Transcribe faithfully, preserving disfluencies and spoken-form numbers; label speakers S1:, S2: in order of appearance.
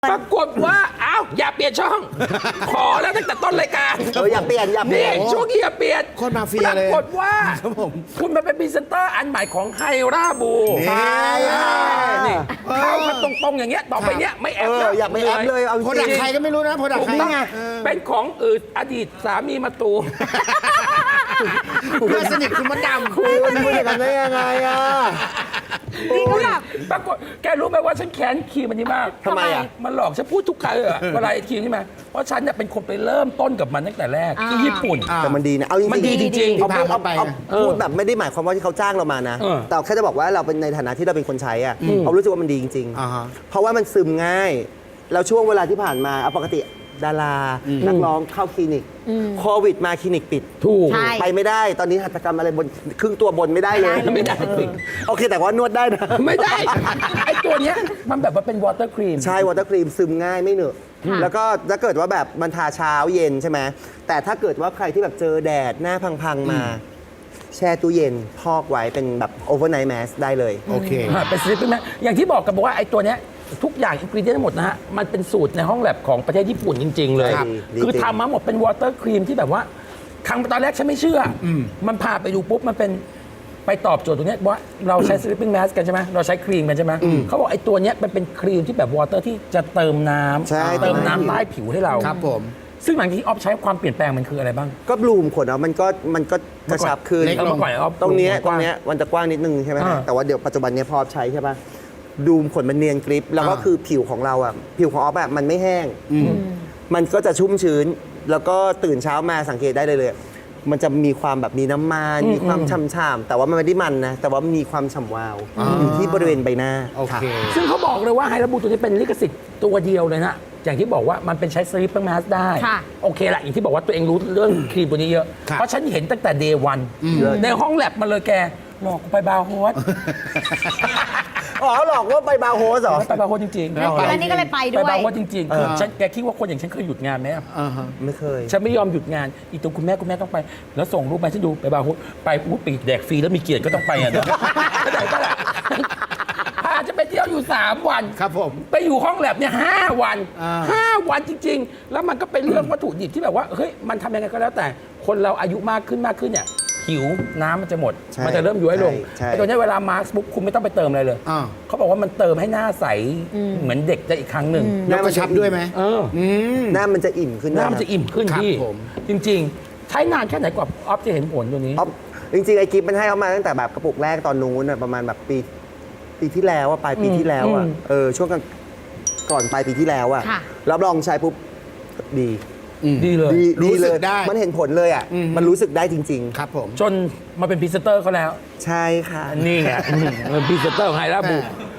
S1: ปรากฏว่าอ้าวอย่าเปลี่ยนช่อง ขอแล้วตั้งแต่ต้นรายการ
S2: เอออย่าเปลี่ยนอย่าเปลี่
S1: นี่
S2: ยน
S1: ช่วงนี้อย่าเปลี่ยน
S3: โคตรมาเฟีย
S1: ปรา
S3: เลย
S1: กฏว่า
S3: ครับผม
S1: คุณมาเป็นพรีเซนเตอร์อันใหม่ของไฮราบู
S2: ใช่
S1: นี่เข้ามาตรงๆอย่างเงี้ยต่อไปเนี้ยไม่แอ
S2: เอ
S1: ป
S2: อ
S1: แล้ว
S2: อย่าไปแอปเลยเอาจ
S3: โปรดัก
S2: ริง
S3: ใครก็ไม่รู้นะโปรดัก
S1: ถูก
S3: ใคร
S1: ต้อง
S3: ไง
S1: เป็นของอื่นอดีตสามีมาตู
S3: เพื่อนสนิทคุณมดดำ
S2: คุณพูดอย่างนั้นได้ยังไงอ่ะ
S4: นี่ก็แบบ
S1: ปรากฏแกรู้ไหมว่าฉันแค้นครีมอันนี้มาก
S2: ทำไมอ่ะ
S1: มันหลอกฉันพูดทุกครั้งเลยอะเวลาไอ้ครีมนี่มาเพราะฉันเนี่ยเป็นคนไปเริ่มต้นกับมันตั้งแต่แรกที่ญี่ปุ่น
S2: แต่มันดีนะเอาจริงๆ
S1: มันดีจริงๆ
S2: เอา
S3: ที่
S2: พูด
S3: พา
S2: เอา
S3: เขาไป
S2: เอา
S3: นะ
S2: พูดแบบไม่ได้หมายความว่าที่เขาจ้างเรามานะ
S1: เออ
S2: แต่แค่จะบอกว่าเราเป็นในฐานะที่เราเป็นคนใช้อ่ะเรารู้สึกว่ามันดีจริง
S3: อ่าฮะ
S2: ๆ เพราะว่ามันซึมง่าย แล้วช่วงเวลาที่ผ่านมาเอาปกติดารานักร้องเข้าคลินิกโควิดมาคลินิกปิด
S1: ถูก
S4: ใช่
S2: ไปไม่ได้ ตอนนี้หัตถกรรมอะไรบนครึ่งตัวบนไม่ได้เลย
S1: ไม่ได้สิ
S2: โอเคแต่ว่านวดได้นะ
S1: ไม่ได้ ไอ้ตัวเนี้ยมันแบบว่าเป็นวอเตอร์ครีม
S2: ใช่วอเตอร์ครีมซึมง่ายไม่เหนอะแล้วก็ถ้าเกิดว่าแบบมันทาเช้าเย็นใช่ไหมแต่ถ้าเกิดว่าใครที่แบบเจอแดดหน้าพังๆมา แช่ตู้เย็นพอกไว้เป็นแบบโอเวอร์ไนท์แมสได้เลย
S3: โอเค
S1: อ่าเป็นสลิปปิ้งแมสอย่างที่บอกกันบอกว่าไอ้ตัวเนี้ยทุกอย่างอินกรีเดียนทั้งหมดนะฮะ มันเป็นสูตรในห้องแลบของประเทศญี่ปุ่นจริง ๆ เลย
S2: ครับดี
S1: คือ
S2: จริง
S1: ทำมาหมดเป็นวอเตอร์ครีมที่แบบว่าครั้งตอนแรกฉันไม่เชื่ออมันพาไปดูปุ๊บ มันเป็นไปตอบโจทย์ตรงเนี้ยว่าเราใช้สลิปปิ้งแมสกันใช่ไหมเราใช้ครีมกันใช่ไหมเขาบอกไอ้ตัวเนี้ยมันเป็นครีมที่แบบวอเตอร์ที่จะเติมน้
S2: ใช่
S1: ำเติมน้ำใต้ผิวให้เรา
S3: ครับผม
S1: ซึ่งหลังจากที่ออฟใช้ความเปลี่ยนแปลงมันคืออะไรบ้าง
S2: ก็บลูมขนเอามันก็มันก็กระชับขึ้น
S3: เล็ก
S1: เอามาก่อนออฟ
S2: ตรงเนี้ย
S1: ก
S2: ตร
S1: ว้าง
S2: เนี้ยมันจะกว้างนิดนึงใช่ไหม
S1: อ่า
S2: แต่ว่าเดี๋ยวปัจจุบันเนี้ยพอใช้ใช่ปะดูมขนมันเนียนกริป แล้วก็
S3: อ่า
S2: คือผิวของเราอ่ะผิวของออฟแบบมันไม่แห้ง มันก็จะชุ่มชื้น แล้วก็ตื่นเช้ามาสังเกตได้เลยเลย มันจะมีความแบบมีน้ำมันมีความช่ำๆแต่ว่ามันไม่ได้มันนะแต่ว่ามันมีความฉ่ำวาวอยู่ที่บริเวณใบหน้า
S3: โอเค
S1: ซึ่งเขาบอกเลยว่าไฮราบูตัวนี้เป็นลิขสิทธิ์ตัวเดียวเลยนะ อย่างที่บอกว่ามันเป็นใช้สลิปเปอร์แมสได้
S4: ค่ะ
S1: โอเคละอย่างที่บอกว่าตัวเองรู้เรื่องครีมตัวนี้เยอะ
S3: ครับ
S1: เพราะฉันเห็นตั้งแต่เดย์วันในห้องแลบมาเลยแกหลอกกูไปบาร์โฮส
S2: อ๋อหลอกว่าไปบาร์โฮสเหรอ
S1: ไปบาร์โฮสจริงๆ
S4: แล้วแล้วนี่ก็เลยไป
S1: ไป
S4: ด้วย
S1: บาร์โฮสจริงๆคือฉันแกคิดว่าคนอย่างฉันเคยหยุดงานไหมอะ
S3: อ่าฮะ
S2: ไม่เคย
S1: ฉันไม่ยอมหยุดงานอีตัวคุณแม่คุณแม่ต้องไป แล้วส่งรูปมาฉันดูไปบาร์โฮสไปอุ้ยปีกแดกฟรีแล้วมีเกียรติก็ต้องไปอ่ะเนาะเข้าใจปะล่ะพาจะไปเที่ยวอยู่สามวัน
S3: ครับผม
S1: ไปอยู่ห้องแลบเนี่ยห้าวัน
S3: อ่า
S1: ห้าวันจริง ๆ แล้วมันก็เป็นเรื่องวัตถุดิบที่แบบว่าเฮ้ยมันทำยังไงก็แล้วแต่คนเราอายุมากขึ้นมากขึ้นเนี่ยผิวน้ำมันจะหมด
S2: ใช่
S1: มันจะเริ่มย้วยลง
S2: ใช่
S1: ไอ้ตัวเนี้ยเวลามาร์คปุ๊บคุณไม่ต้องไปเติมอะไรเลย
S3: อ่า
S1: เขาบอกว่ามันเติมให้หน้าใสเหมือนเด็กได้อีกครั้งหนึ่ง
S3: แล้วกระชับด้วยไหม
S1: เออ
S3: อืม
S2: หน้ามันจะอิ่มขึ้น
S1: หน้ามันจะอิ่มขึ้น
S3: ครับ
S1: พี่
S3: ผม
S1: จริง ๆ ใช้นานแค่ไหนกว่าออฟจะเห็นผลตัวนี้
S2: อ๊อฟจริงๆ ไอ้กิฟมันให้เขามาตั้งแต่แบบกระปุกแรกตอนนู้นน่ะประมาณแบบปีปีที่แล้วอะปลายปีที่แล้วอะ
S1: อืม
S2: เออช่วงกันก่อนปลายปีที่แล้วอะ
S4: ค่ะ
S2: รับรองใช้ปุ๊บดี
S1: ดีเลย
S2: ดี
S3: รู้
S2: ดีเล
S3: สึ
S2: ย
S3: กได้
S2: มันเห็นผลเลยอะ
S3: อืม
S2: มันรู้สึกได้จริง
S3: ครับผม
S1: จนมาเป็นพรีเซนเตอร์เขาแล้ว
S2: ๆ ใช่ค่ะ
S1: นี่ไงอืมเป็นพรีเซนเตอร์ของไฮราบู
S3: แม่